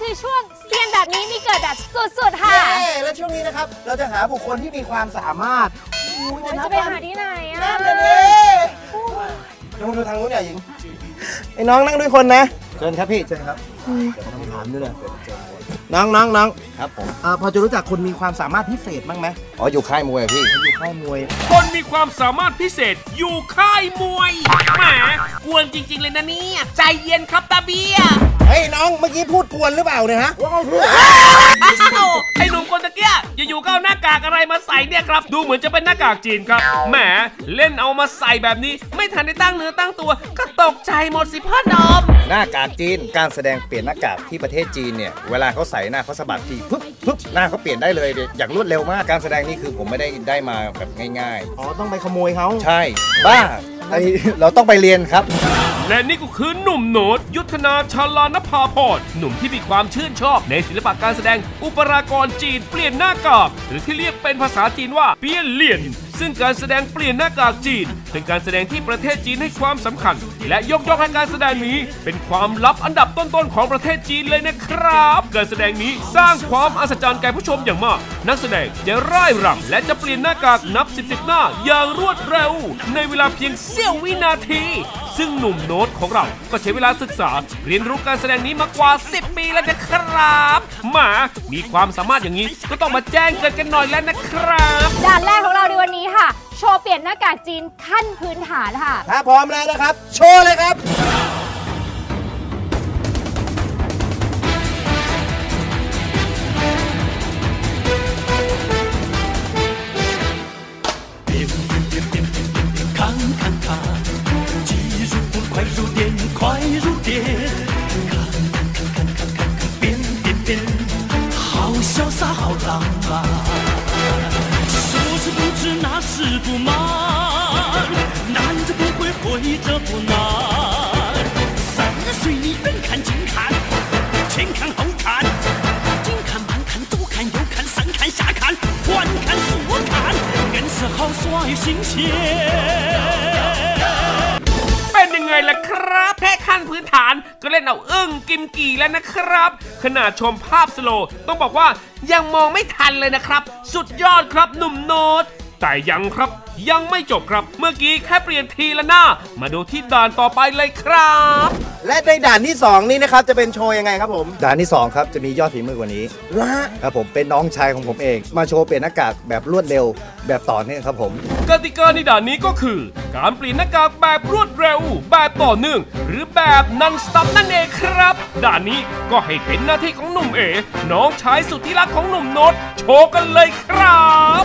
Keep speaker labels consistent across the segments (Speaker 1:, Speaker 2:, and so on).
Speaker 1: คือช่วงเซียนแบบนี้มีเกิดแบบสุดๆค่ะ
Speaker 2: และช่วงนี้นะครับเราจะหาบุคคลที่มีความสามารถ
Speaker 1: จะไปหาที่ไหนอ่ะ
Speaker 2: ลองดูทางนู้นเนี่ยหญิงไอ้น้องนั่งด้วยคนนะเชิญครับพี่เชิญครับต้องถามด้วยเลยน้องครับผมพอจะรู้จักคนมีความสามารถพิเศษบ้างไหมอ๋ออยู่ค่ายมวยพี่อยู่ค่ายมวย
Speaker 3: คนมีความสามารถพิเศษอยู่ค่ายมวยแหมกวนจริงๆเลยนะเนี่ยใจเย็นครับตาเบีย
Speaker 2: เฮ้ยน้องเมื่อกี้พูดกวนหรือเปล่าเนี่ยฮะ
Speaker 3: ไอ้หนุ่มคนตะเกียอยู่ๆก็เอาหน้ากากอะไรมาใส่เนี่ยครับดูเหมือนจะเป็นหน้ากากจีนครับแหมเล่นเอามาใส่แบบนี้ไม่ทันได้ตั้งเนื้อตั้งตัวก็ตกใจหมดสิพ่อหนุ่ม
Speaker 2: หน้ากากจีนการแสดงเปลี่ยนหน้ากากที่ประเทศจีนเนี่ยเวลาเขาใส่หน้าเขาสะบัดทีปึ๊บหน้าเขาเปลี่ยนได้เลยอย่างรวดเร็วมากการแสดงนี่คือผมไม่ได้มาแบบง่ายๆอ๋อต้องไปขโมยเขาใช่บ้าเราต้องไปเรียนครับ
Speaker 3: และนี่ก็คือหนุ่มโน้ตยุทธนาชาลานภาพรหนุ่มที่มีความชื่นชอบในศิลปะการแสดงอุปรากรจีนเปลี่ยนหน้ากากหรือที่เรียกเป็นภาษาจีนว่าเปี้ยนเหลี่ยนซึ่งการแสดงเปลี่ยนหน้ากากจีนเป็นการแสดงที่ประเทศจีนให้ความสำคัญและยกย่องให้การแสดงนี้เป็นความลับอันดับต้นๆของประเทศจีนเลยนะครับการแสดงนี้สร้างความอัศจรรย์แก่ผู้ชมอย่างมากนักแสดงจะร่ายรำและจะเปลี่ยนหน้ากากนับ10หน้าอย่างรวดเร็วในเวลาเพียงเสี้ยววินาทีซึ่งหนุ่มโน้ตของเราก็ใช้เวลาศึกษาเรียนรู้การแสดงนี้มากว่า10 ปีแล้วนะครับมีความสามารถอย่างนี้ก็ต้องมาแจ้งเกิดกันหน่อยแล้วนะครับ
Speaker 1: ด่านแรกของเราในวันนี้ค่ะโชว์เปลี่ยนหน้ากากจีนขั้นพื้นฐานค่ะ
Speaker 2: ถ้าพร้อมแล้วนะครับโชว์เลยครับ
Speaker 3: เป็นยังไงล่ะครับแค่ขั้นพื้นฐานก็เล่นเอาอึ้งกิมกี่แล้วนะครับขนาดชมภาพสโลว์ต้องบอกว่ายังมองไม่ทันเลยนะครับสุดยอดครับหนุ่มโน้ตแต่ยังครับยังไม่จบครับเมื่อกี้แค่เปลี่ยนทีละหน้ามาดูที่ด่านต่อไปเลยครับ
Speaker 2: และในด่านที่2นี้นะครับจะเป็นโชว์ยังไงครับผมด่านที่2ครับจะมียอดฝีมือกว่านี้ครับผมเป็นน้องชายของผมเองมาโชว์เปลี่ยนหน้ากากแบบรวดเร็วแบบต่อเนื่องครับผม
Speaker 3: กติกาในด่านนี้ก็คือการเปลี่ยนหน้ากากแบบรวดเร็วแบบต่อเนื่องหรือแบบนันสต็อปนั่นเองครับด่านนี้ก็ให้เป็นหน้าที่ของหนุ่มเอน้องชายสุดที่รักของหนุ่มโน้ตโชว์กันเลยครับ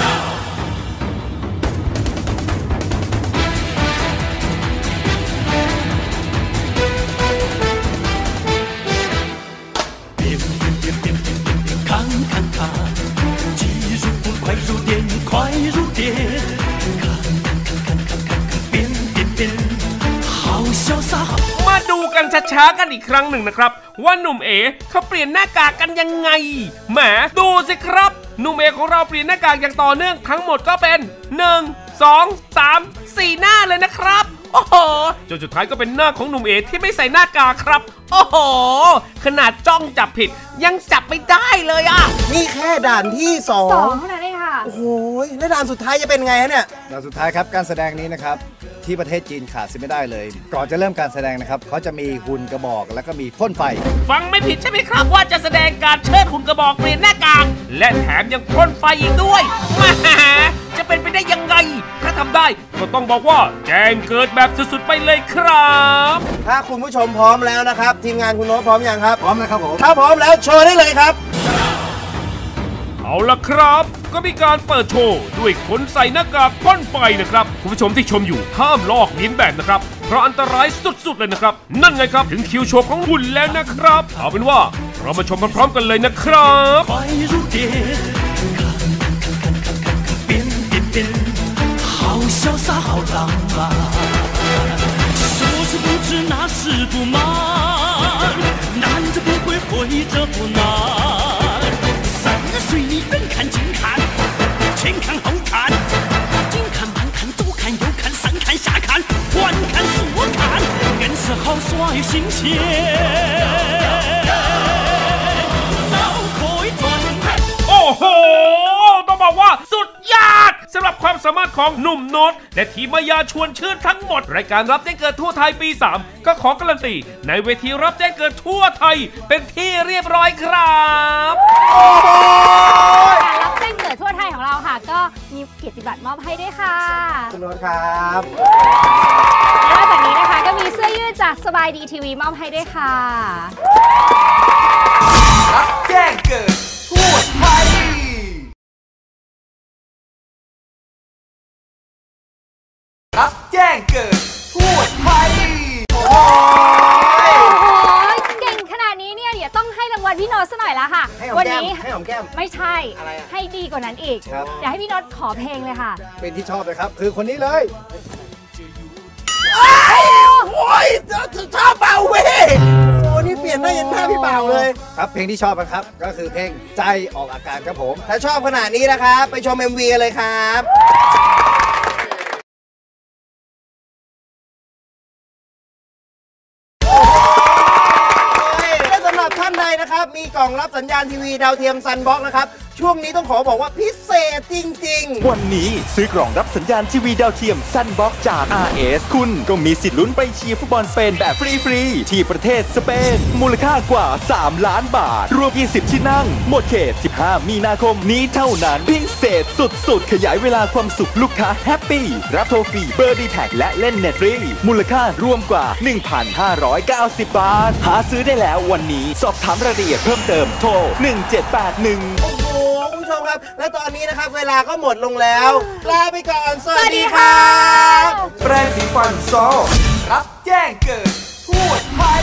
Speaker 3: มาดูกันช้าๆกันอีกครั้งหนึ่งนะครับว่าหนุ่มเอเขาเปลี่ยนหน้ากากกันยังไงแหมดูสิครับหนุ่มเอของเราเปลี่ยนหน้ากากอย่างต่อเนื่องทั้งหมดก็เป็น1 2 3 4หน้าเลยนะครับโอ้โหจนสุดท้ายก็เป็นหน้าของหนุ่มเอที่ไม่ใส่หน้ากากครับโอ้โหขนาดจ้องจับผิดยังจับไม่ได้เลยอ่ะ
Speaker 2: นี่แค่ด่านที่2
Speaker 1: เท่านั้นเองค่ะ
Speaker 2: โอ้โหแล้วด่านสุดท้ายจะเป็นไงฮะเนี่ยด่านสุดท้ายครับการแสดงนี้นะครับที่ประเทศจีนขาดไม่ได้เลยก่อนจะเริ่มการแสดงนะครับเขาจะมีหุ่นกระบอกแล้วก็มีพ่นไฟ
Speaker 3: ฟังไม่ผิดใช่ไหมครับว่าจะแสดงการเชิดหุ่นกระบอกเปลี่ยนหน้ากากและแถมยังพ่นไฟอีกด้วยจะเป็นไปได้ยังไงถ้าทำได้ก็ต้องบอกว่าแจ้งเกิดแบบสุดๆไปเลยครับ
Speaker 2: ถ้าคุณผู้ชมพร้อมแล้วนะครับทีมงานคุณโน้ตพร้อมยังครับพร้อมแล้วครับผมถ้าพร้อมแล้วโชว์ได้เลยครับ
Speaker 3: เอาล่ะครับก็มีการเปิดโชว์ด้วยคนใส่หน้ากากพ่นไฟนะครับคุณผู้ชมที่ชมอยู่ห้ามลอกเลียนแบบนะครับเพราะอันตรายสุดๆเลยนะครับนั่นไงครับถึงคิวโชว์ของหุ่นแล้วนะครับเอาเป็นว่าเรามาชมพร้อมๆกันเลยนะครับ
Speaker 4: 潇洒好浪漫，说是不知那是不满，难着不会会着不难，三岁你远看近看，前看后看，近看慢看左看右看上看下看，环看竖看，硬是好耍又新鲜。
Speaker 3: บอกว่าสุดยอดสำหรับความสามารถของหนุ่มโน้ตและทีมมายาชวนชื่นทั้งหมดรายการรับแจ้งเกิดทั่วไทยปี 3ก็ขอการันตีในเวทีรับแจ้งเกิดทั่วไทยเป็นที่เรียบร้อยครับ
Speaker 1: การรับแจ้งเกิดทั่วไทยของเราค่ะก็มีเกียรติบัตรมอบให้ด้วยค่ะ
Speaker 2: คุณโน้ตครับ
Speaker 1: นอกจากนี้นะคะก็มีเสื้อยืดจากสบายดีทีวีมอบให้ด้วยค่ะ
Speaker 5: รับแจ้งเกิดทั่วไทยรับแจ้งเกิดทั่วไทย
Speaker 1: โอ้โหเก่งขนาดนี้เนี่ยเดี๋ยวต้องให้รางวัลพี่โน้ตซะหน่อยละค่ะวันนี้
Speaker 2: ให้หอมแก้ม
Speaker 1: ไม่ใช่ให้ดีกว่านั้นอีกเดี๋ยวให้พี่โน้ตขอเพลงเลยค่ะ
Speaker 2: เป็นที่ชอบเลยครับคือคนนี้เลย
Speaker 5: โอ้ยชอบเบาเว้ยโอ้นี่เปลี่ยนได้ยันหน้าพี่เบาเลย
Speaker 2: ครับเพลงที่ชอบนะครับก็คือเพลงใจออกอาการครับผม
Speaker 5: ถ้าชอบขนาดนี้นะครับไปชม MV กันเลยครับและสำหรับท่านใดนะครับมีกล่องรับสัญญาณทีวีดาวเทียมซันบ็อกนะครับช่วงนี้ต้องขอบอกว่าพิเศษจริง
Speaker 6: ๆวันนี้ซื้อกล่องรับสัญญาณทีวีดาวเทียมซันบ็อกจาก RS คุณก็มีสิทธิ์ลุ้นไปเชียร์ฟุตบอลสเปนแบบฟรีๆที่ประเทศสเปนมูลค่ากว่า3 ล้านบาทรวม20ที่นั่งหมดเขต15มีนาคมนี้เท่านั้นพิเศษสุดๆขยายเวลาความสุขลูกค้าแฮปปี้รับโทรฟรีเบอร์ดีแท็กและเล่นเน็ตฟรีมูลค่ารวมกว่า 1,590 บาทหาซื้อได้แล้ววันนี้สอบถามรายละเอียดเพิ่มเติมโทร1781
Speaker 5: คุณผู้ชมครับและตอนนี้นะครับเวลาก็หมดลงแล้วลาไปก่อนสวัสดีครับแปรงสีฟันซอรับแจ้งเกิดทั่วไทย